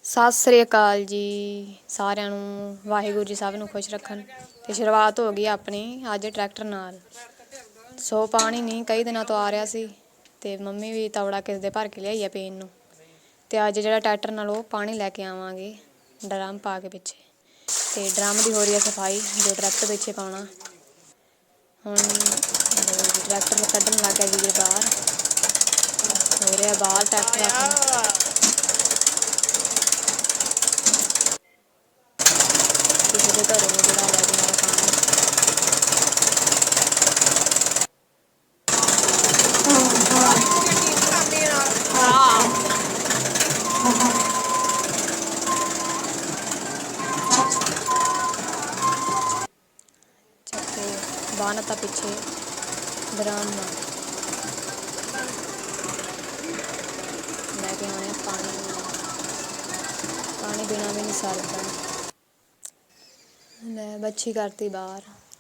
ਸਤਿ ਸ੍ਰੀ ਅਕਾਲ ਜੀ ਸਾਰਿਆਂ ਨੂੰ। ਵਾਹਿਗੁਰੂ ਜੀ ਸਭ ਨੂੰ ਖੁਸ਼ ਰੱਖਣ। ਤੇ ਸ਼ੁਰੂਆਤ ਹੋ ਗਈ ਆਪਣੀ ਅੱਜ ਟਰੈਕਟਰ ਨਾਲ। ਸੋ ਪਾਣੀ ਨਹੀਂ ਕਈ ਦਿਨਾਂ ਤੋਂ ਆ ਰਿਹਾ ਸੀ ਤੇ ਮੰਮੀ ਵੀ ਤਵੜਾ ਕਿਸ ਦੇ ਭਰ ਕੇ ਲਿਆਈ ਆ ਪੀਣ ਨੂੰ। ਤੇ ਅੱਜ ਜਿਹੜਾ ਟਰੈਕਟਰ ਨਾਲ ਉਹ ਪਾਣੀ ਲੈ ਕੇ ਆਵਾਂਗੇ ਡਰਮ ਪਾ ਕੇ ਪਿੱਛੇ। ਤੇ ਡਰਮ ਦੀ ਹੋ ਰਹੀ ਹੈ ਸਫਾਈ ਜੋ ਟਰੈਕਟਰ ਪਿੱਛੇ ਪਾਉਣਾ। ਹੁਣ ਟਰੈਕਟਰ ਕੱਢਣ ਲੱਗ ਗਿਆ ਵੀਰ ਬਾਹਰ। ਹੋ ਰਿਹਾ ਬਾਹਰ ਟਰੈਕਟਰ ਕਿਸੇ ਦੇ ਘਰੋਂ ਜਿਹੜਾ ਲੈ ਕੇ ਆਇਆ ਪਾਣੀ। ਚੱਕੇ ਬਾਹਰ ਤਾਂ ਪਿੱਛੇ ਡਰਮ ਲੈ ਕੇ ਆਉਣੇ ਪਾਣੀ। ਪਾਣੀ ਬਿਨਾਂ ਵੀ ਨਹੀਂ ਸਰਦਾ। ਲੈ ਬੱਚੀ ਕਰਤੀ ਬਾਹਰ।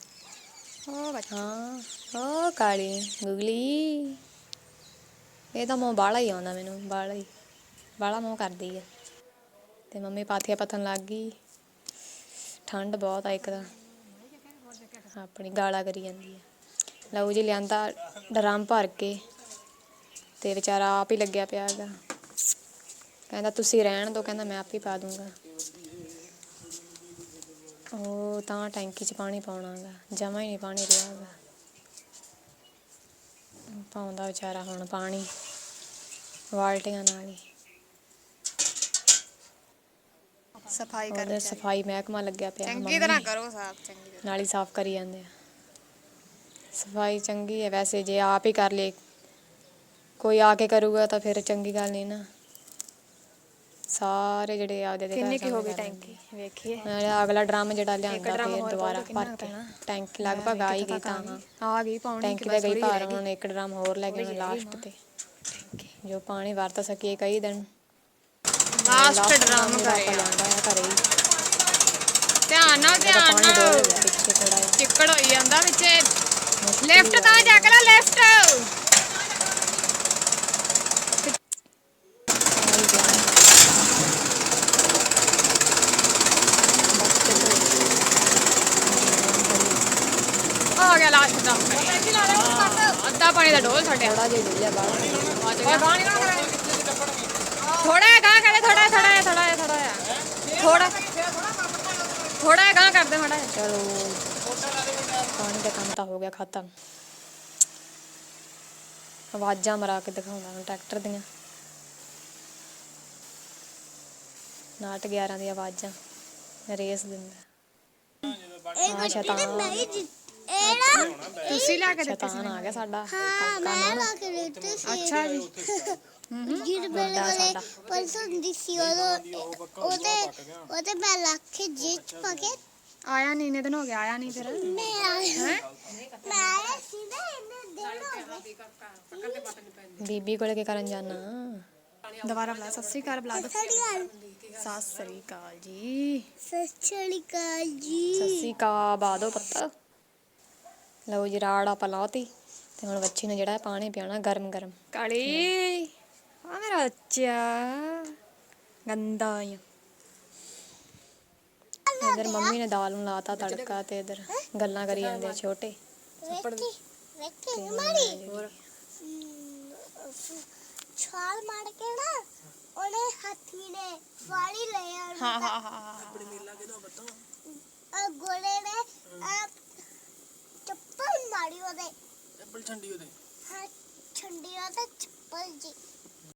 ਹਾਂ ਉਹ ਕਾਲੀ ਗੁਗਲੀ ਇਹ ਤਾਂ ਮੂੰਹ ਬਾਹਲਾ ਹੀ ਆਉਂਦਾ ਮੈਨੂੰ। ਬਾਹਲਾ ਮੂੰਹ ਕਰਦੀ ਆ। ਤੇ ਮੰਮੀ ਪਾਥੀਆਂ ਪੱਥਣ ਲੱਗ ਗਈ। ਠੰਡ ਬਹੁਤ ਆ ਇੱਕ ਤਾਂ ਆਪਣੀ ਗਾਲਾਂ ਕਰੀ ਜਾਂਦੀ ਆ। ਲਓ ਜੀ ਲਿਆਂਦਾ ਡਰਮ ਭਰ ਕੇ ਤੇ ਵਿਚਾਰਾ ਆਪ ਹੀ ਲੱਗਿਆ ਪਿਆ ਹੈਗਾ। ਕਹਿੰਦਾ ਤੁਸੀਂ ਰਹਿਣ ਦਿਓ, ਕਹਿੰਦਾ ਮੈਂ ਆਪ ਹੀ ਪਾ ਦੂੰਗਾ। ਉਹ ਤਾਂ ਟੈਂਕੀ 'ਚ ਪਾਣੀ ਪਾਉਣਾ ਗਾ, ਜਮਾ ਹੀ ਨਹੀਂ ਪਾਣੀ ਰਿਹਾ ਗਾ। ਪਾਉਂਦਾ ਵਿਚਾਰਾ ਹੁਣ ਪਾਣੀ ਬਾਲਟੀਆਂ ਨਾਲ ਹੀ। ਸਫਾਈ ਕਰ ਉਧਰ ਸਫਾਈ ਮਹਿਕਮਾ ਲੱਗਿਆ ਪਿਆ ਚੰਗੀ ਤਰ੍ਹਾਂ ਕਰੋ ਸਾਫ ਚੰਗੀ ਤਰ੍ਹਾਂ। ਨਾਲ ਹੀ ਸਾਫ਼ ਕਰੀ ਜਾਂਦੇ ਆ। ਸਫਾਈ ਚੰਗੀ ਹੈ ਵੈਸੇ ਜੇ ਆਪ ਹੀ ਕਰ ਲਏ। ਕੋਈ ਆ ਕੇ ਕਰੂਗਾ ਤਾਂ ਫਿਰ ਚੰਗੀ ਗੱਲ ਨਹੀਂ ਨਾ। ਸਾਰੇ ਜਿਹੜੇ ਆਪਦੇ ਦੇ ਕਿੰਨੀ ਘਰ ਕੀ ਹੋ ਸਾਹਮਣੇ ਗਈ ਕਰ ਟੈਂਕੀ ਵੇਖੀਏ। ਲੈਂਦੇ। ਅਗਲਾ ਡਰਮ ਜਿਹੜਾ ਇੱਕ ਲਿਆਂਦਾ ਡਰਮ ਫਿਰ ਹੋਰ ਦੁਬਾਰਾ ਪਾਉ ਭਰ ਕਿੰਨਾ ਕੇ ਪੈਣਾ। ਟੈਂਕੀ ਲਗਭਗ ਆ ਹੀ ਗਈ। ਤਾਂ ਹਾਂ ਆ ਗਈ ਪਾਉਣੀ ਕਿ ਟੈਂਕੀ ਤਾਂ ਬਸ ਗਈ ਥੋੜੀ ਭਰ। ਰਹਿ ਗਈ। ਹੁਣ ਇੱਕ ਡਰਮ ਹੋਰ ਲੈ ਕੇ ਆਉਣਾ ਲਾਸਟ ਤੇ ਜੋ ਪਾਣੀ ਵਰਤ ਸਕੀਏ ਕਈ ਦਿਨ। ਲਾਸਟ ਡਰਮ ਡਰਮ ਜਿਹੜਾ ਆਪਾਂ ਲਿਆਂਦਾ ਹੈ ਘਰੇ ਹੀ। ਧਿਆਨ ਨਾਲ ਇਹਦਾ ਧਿਆਨ ਪਾਣੀ ਡੋਲ ਨਾਲ ਗਿਆ ਪਿੱਛੇ ਥੋੜਾ ਜਿਹਾ। ਚਿੱਕੜ ਹੋਈ ਜਾਂਦਾ ਵਿੱਚ। ਮੁਸ਼ਕਿਲ ਲੈਫਟ ਹੀ ਤਾਂ ਜਾ ਕੇ ਨਾ ਲੈਫਟ। ਆ ਗਿਆ ਲਾਸਟ ਦਾ ਅੱਧਾ ਪਾਣੀ ਦਾ ਡੋਲ ਛੱਡਿਆ। ਥੋੜਾ ਜਿਹਾ ਡੁੱਲਿਆ ਬਾਹਰ। ਥੋੜਾ ਗਾਂ ਕਰੇ ਥੋੜਾ ਗਾਂ ਕਰਦੇ ਮਾੜਾ ਜਿਹਾ। ਚਲੋ ਪਾਣੀ ਦਾ ਕੰਮ ਤਾਂ ਹੋ ਗਿਆ ਖਤਮ। ਆਵਾਜ਼ਾਂ ਮਰਾ ਕੇ ਦਿਖਾਉਂਦਾ ਹੁਣ ਟਰੈਕਟਰ ਦੀਆਂ। ਨਾਟ 11 ਦੀਆਂ ਆਵਾਜ਼ਾਂ ਰੇਸ ਦਿੰਦਾ। ਹਾਂ ਤੁਸੀਂ ਲਾ ਕੇ ਦਿੱਤੀ ਸੀ ਸ਼ੈਤਾਨ ਆ ਗਿਆ ਸਾਡਾ ਹਾਂ ਕਾਕਾ ਮੈਂ ਨੂੰ। ਲਾ ਕੇ ਦਿੱਤੇ ਸੀ। ਅੱਛਾ ਜੀ। ਜਿਹੜੇ ਮੇਰੇ ਵੱਡਾ ਵਾਲੇ ਸਾਡਾ। ਪਰਸੋਂ ਦੀ ਸੀ ਉਹਦੇ ਮੈਂ ਲਾ ਕੇ ਜੇਚ ਪਾ ਕੇ ਆਇਆ ਨਹੀਂ ਇੰਨੇ ਦਿਨ ਹੋ ਗਿਆ। ਆਇਆ ਨਹੀਂ ਫਿਰ ਮੈਂ ਆਇਆ ਸੀ ਨਾ ਇਹਨੇ ਦਿਨ ਹੋ ਗਏ। ਬੀਬੀ ਕੋਲੇ ਕੀ ਕਰਨ ਜਾਣਾ। ਦੁਬਾਰਾ ਬੁਲਾ। ਸਤਿ ਸ੍ਰੀ ਅਕਾਲ ਬੁਲਾ। ਸਤਿ ਸ਼੍ਰੀ ਅਕਾਲ। ਸਤਿ ਸ੍ਰੀ ਅਕਾਲ ਜੀ। ਸਤਿ ਸ਼੍ਰੀ ਅਕਾਲ ਸੱਸੀ ਜੀ। ਕਾ ਬਾਦੋ ਪੱਤਾ। ਲਓ ਜੀ ਰਾੜ ਆਪਾਂ ਲਾਤੀ ਤੇ ਹੁਣ ਬੱਚੀ ਨੂੰ ਜਿਹੜਾ ਪਾਣੀ ਪਿਆਣਾ ਗਰਮ ਗਰਮ। ਕਾਲੀ ਆ ਮੇਰਾ ਬੱਚਾ ਗੰਦਾ ਆ। ਇਧਰ ਮੰਮੀ ਨੇ ਦਾਲ ਨੂੰ ਲਾਤਾ ਤੜਕਾ ਤੇ ਇਧਰ ਗੱਲਾਂ ਕਰੀ ਜਾਂਦੇ ਆ ਛੋਟੇ। ਵੇਖੀ ਮਾਰੀ ਹੋਰ ਛਾਲ ਮਾਰ ਕੇ ਨਾ ਉਹਨੇ ਹੱਥੀ ਨੇ ਵਾਲੀ ਲਿਆ। ਹਾਂ ਗੋਲੇ ਨੇ ਚੱਪਲ ਮਾਰੀ ਉਹਦੇ। ਚੱਪਲ ਛੰਡੀ ਉਹਦੇ। ਹਾਂ ਛੰਡੀ ਉਹਦੇ ਚੱਪਲ ਜੀ।